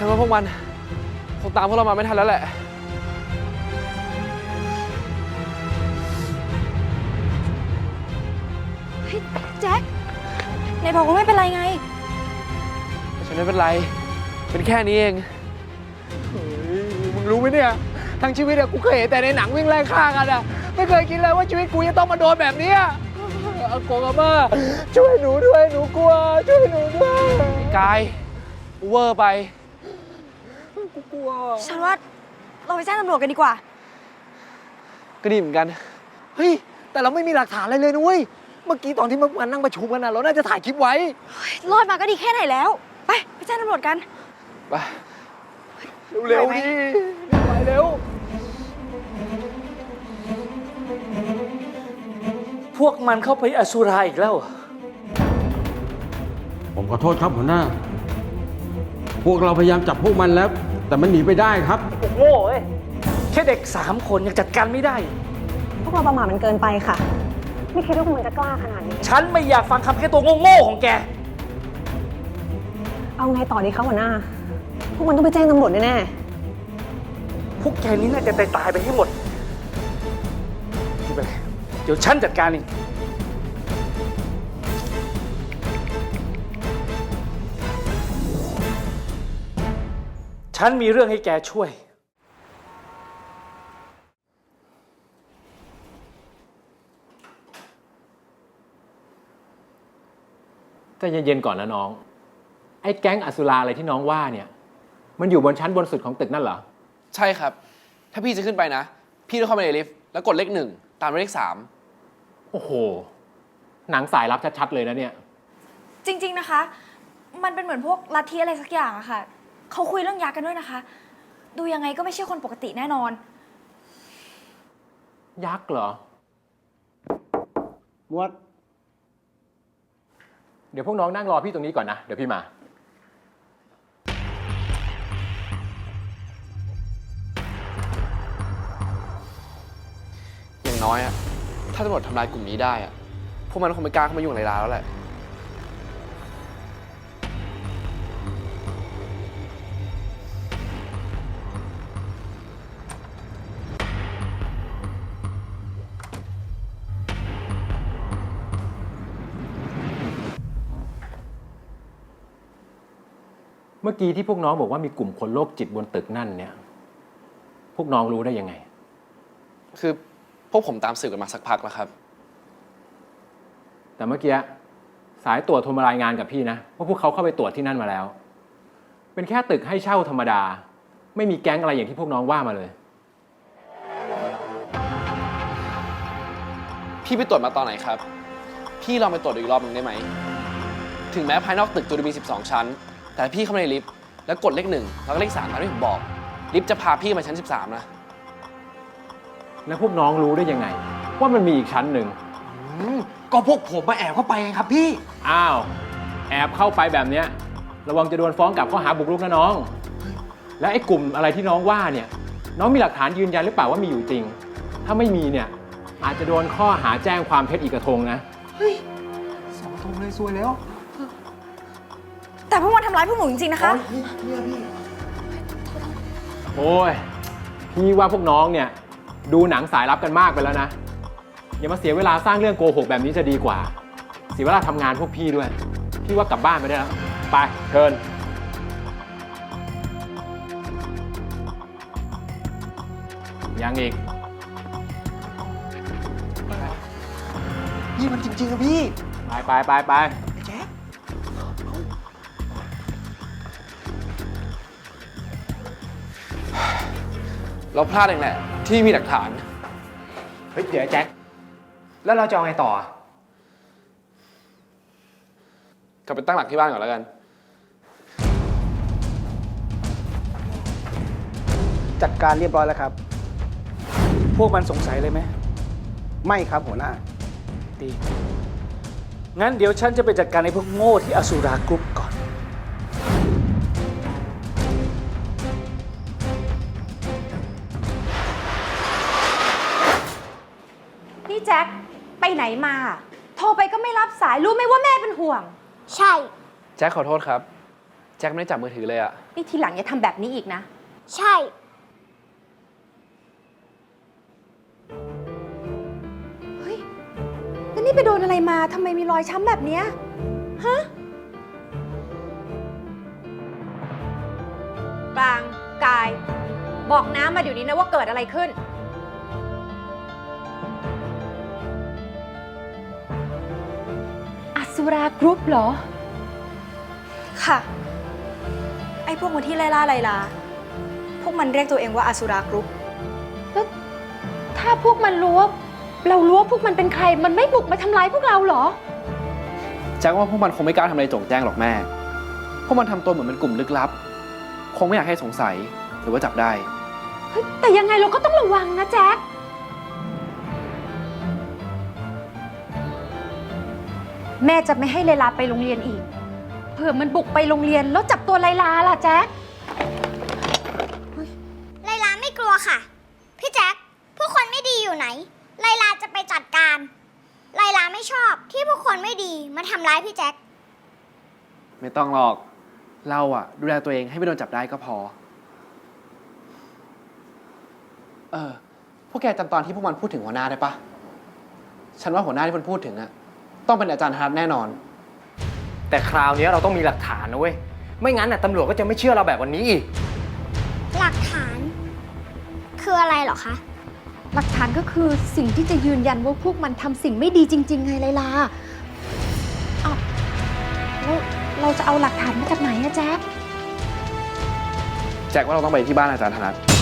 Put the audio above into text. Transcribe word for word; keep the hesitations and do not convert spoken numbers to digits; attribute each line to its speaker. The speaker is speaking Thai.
Speaker 1: นว่าพวกมันคงตามพวกเรามาไม่ทันแล้วแหละ
Speaker 2: เฮ้ยแจ็คไหนบอกว่าไม่เป็นไรไง
Speaker 1: ฉันไม่เป็นไรเป็นแค่นี้เอง
Speaker 3: เฮ้ยมึงรู้ไหมเนี่ยทั้งชีวิตอะกูเคยเห็นแต่ในหนังวิ่งไล่ฆ่ากันอะไม่เคยคิดเลยว่าชีวิตกูจะต้องมาโดนแบบนี้อากงอาม่าช่วยหนูด้วยหนูกลัวช่วยหนูด้วย
Speaker 1: กายเวอร์ไป
Speaker 3: กูกลัว
Speaker 2: ฉันว่าเราไปแจ้งตำรวจกันดีกว่า
Speaker 1: ก็ดีเหมือนกัน
Speaker 3: เฮ้ยแต่เราไม่มีหลักฐานอะไรเลยนุ้ยเมื่อกี้ตอนที่มันนั่งประชุมกันนะเราน่าจะถ่ายคลิปไว้
Speaker 2: รอดมาก็ดีแค่ไหนแล้วไปไปแจ้งตำรวจกัน
Speaker 1: ไป
Speaker 3: เร็วๆดิไปเร็ว
Speaker 4: พวกมันเข้าไปอสุราอีกแล้ว
Speaker 5: ผมขอโทษครับหัวหน้าพวกเราพยายามจับพวกมันแล้วแต่มันหนีไปได้ครับ
Speaker 4: โง่เอ้ยแค่เด็กสามคนยังจัดการไม่ได้
Speaker 6: พวกเราประมาทมันเกินไปค่ะไม่คิดว่าพวกมันจะกล้าขนาดนี้
Speaker 4: ฉันไม่อยากฟังคำแค่ตัวโง่ๆของแก
Speaker 6: เอาไงต่อดีคะหัวหน้าพวกมันต้องไปแจ้งตำรวจแน่
Speaker 4: ๆพวกแกนี้น่าจะตายไปให้หมดเดี๋ยวฉันจัดการเองฉันมีเรื่องให้แกช่วย
Speaker 7: ใจเย็นๆก่อนนะน้องไอ้แก๊งอสุราอะไรที่น้องว่าเนี่ยมันอยู่บนชั้นบนสุดของตึกนั่นเหรอ
Speaker 1: ใช่ครับถ้าพี่จะขึ้นไปนะพี่ต้องเข้าไปในลิฟต์แล้วกดเลขหนึ่งตามด้วยเลขสาม
Speaker 7: โอ้โหหนังสายลับชัดๆเลยนะเนี่ย
Speaker 2: จริงๆนะคะมันเป็นเหมือนพวกลัทธิอะไรสักอย่างอะค่ะเขาคุยเรื่องยักษ์กันด้วยนะคะดูยังไงก็ไม่ใช่คนปกติแน่นอน
Speaker 7: ยักษ์เหรอ
Speaker 5: มวด
Speaker 7: เดี๋ยวพวกน้องนั่งรอพี่ตรงนี้ก่อนนะเดี๋ยวพี่มา
Speaker 1: อย่างน้อยอะถ้าตำรวจทำลายกลุ่มนี้ได้อะพวกมันคงไม่กล้าเข้ามายุ่งในร้านแล้วแหละ
Speaker 7: เมื่อกี้ที่พวกน้องบอกว่ามีกลุ่มคนโรคจิตบนตึกนั่นเนี่ยพวกน้องรู้ได้ยังไง
Speaker 1: คือพวกผมตามสืบกันมาสักพักแล้วครับ
Speaker 7: แต่เมื่อกี้สายตรวจโทรมารายงานกับพี่นะว่าพวกเขาเข้าไปตรวจที่นั่นมาแล้วเป็นแค่ตึกให้เช่าธรรมดาไม่มีแก๊งอะไรอย่างที่พวกน้องว่ามาเลย
Speaker 1: พี่ไปตรวจมาตอนไหนครับพี่ลองไปตรวจอีกรอบหนึ่งได้ไหมถึงแม้ภายนอกตึกจะมีสิบสองชั้นแต่พี่เข้ามาในลิฟต์แล้วกดเลขหนึ่งแล้วก็เลขสามตามที่ผมบอกลิฟต์จะพาพี่มาชั้นสิบสามนะ
Speaker 7: แล้วพวกน้องรู้ได้ยังไงว่ามันมีอีกชั้นหนึ่ง
Speaker 3: ก็พวกผมมาแอบเข้าไปไงครับพี่
Speaker 7: อ้าวแอบเข้าไปแบบเนี้ยระวังจะโดนฟ้องกลับข้อหาบุกรุกนะน้องและไอ้กลุ่มอะไรที่น้องว่าเนี่ยน้องมีหลักฐานยืนยันหรือเปล่าว่ามีอยู่จริงถ้าไม่มีเนี่ยอาจจะโดนข้อหาแจ้งความเท็จอีกกระทงนะ
Speaker 3: เฮ้ยสองกระทงเลยซวยแล้ว
Speaker 2: แต่พวกมันทำร้ายพวกหนูจริงๆนะคะ
Speaker 7: โอ้ยพี่ว่าพวกน้องเนี่ยดูหนังสายลับกันมากไปแล้วนะอย่ามาเสียเวลาสร้างเรื่องโกหกแบบนี้จะดีกว่าเสียเวลาทำงานพวกพี่ด้วยพี่ว่ากลับบ้านไปได้แล้วไปเชิญยังอีก
Speaker 3: พี่มันจริงๆอะพี่
Speaker 7: ไปไปไปไป
Speaker 3: แจ๊ค
Speaker 1: เราพลาดเองแหละที่มีหลักฐาน
Speaker 3: เฮ้ยเดี๋ยวแจ็คแล้วเราจะเอาไงต่อ
Speaker 1: กลับไปตั้งหลักที่บ้านก่อนแล้วกัน
Speaker 3: จัดการเรียบร้อยแล้วครับ
Speaker 4: พวกมันสงสัยเลยไหม
Speaker 3: ไม่ครับหัวหน้า
Speaker 4: ดีงั้นเดี๋ยวฉันจะไปจัดการไอ้พวกโง่ที่อสุรากรุ๊ปก่อน
Speaker 8: นี่แจ็คไปไหนมาโทรไปก็ไม่รับสายรู้ไหมว่าแม่เป็นห่วง
Speaker 6: ใช่
Speaker 1: แจ็คขอโทษครับแจ็คไม่ได้จับมือถือเลยอะ
Speaker 8: นี่ทีหลังอย่าทำแบบนี้อีกนะ
Speaker 9: ใช่
Speaker 8: เฮ้ย แล้วนี่ไปโดนอะไรมาทำไมมีรอยช้ำแบบเนี้ยฮะปรางกาย บอกน้ำมาเดี๋ยวนี้นะว่าเกิดอะไรขึ้น อสุรากรุ๊ปเหรอ
Speaker 2: ค่ะ ไอ้พวกมันที่ไล่ล่าไลลา พวกมันเรียกตัวเองว่าอสุรากรุ๊ป
Speaker 8: แล้วถ้าพวกมันรู้ว่าเรารู้ว่าพวกมันเป็นใคร มันไม่บุกมาทำร้ายพวกเราเหรอ
Speaker 1: แจ็คว่าพวกมันคงไม่กล้าทำอะไรโจ่งแจ้งหรอกแม่ พวกมันทำตัวเหมือนเป็นกลุ่มลึกลับ คงไม่อยากให้สงสัยหรือว่าจับได้
Speaker 8: เฮ้ย แต่ยังไงเราก็ต้องระวังนะแจ็ค แม่จะไม่ให้ไลลาไปโรงเรียนอีก เผื่อมันบุกไปโรงเรียนแล้วจับตัวไลลาล่ะแจ็ค
Speaker 9: ไลลาไม่กลัวค่ะ พี่แจ็คพวกคนไม่ดีอยู่ไหน ไลลาจะไปจัดการ ไลลาไม่ชอบที่พวกคนไม่ดีมาทำร้ายพี่แจ็ค
Speaker 1: ไม่ต้องหรอก เราอะดูแลตัวเองให้ไม่โดนจับได้ก็พอ เออ พวกแกจำตอนที่พวกมันพูดถึงหัวหน้าได้ปะ ฉันว่าหัวหน้าที่มันพูดถึงอะต้องเป็นอาจารย์ธนัทแน่นอน
Speaker 3: แต่คราวนี้เราต้องมีหลักฐานนะเว้ย ไม่งั้นน่ะตำรวจก็จะไม่เชื่อเราแบบวันนี้อีก
Speaker 9: หลักฐาน คืออะไรเหรอคะ
Speaker 8: หลักฐานก็คือสิ่งที่จะยืนยันว่าพวกมันทำสิ่งไม่ดีจริง ๆ ไงไลลาอ้าวแล้วเราจะเอาหลักฐานมาจากไหนอะแจ็ค
Speaker 1: แจ็คว่าเราต้องไปที่บ้านอาจารย์ธนัท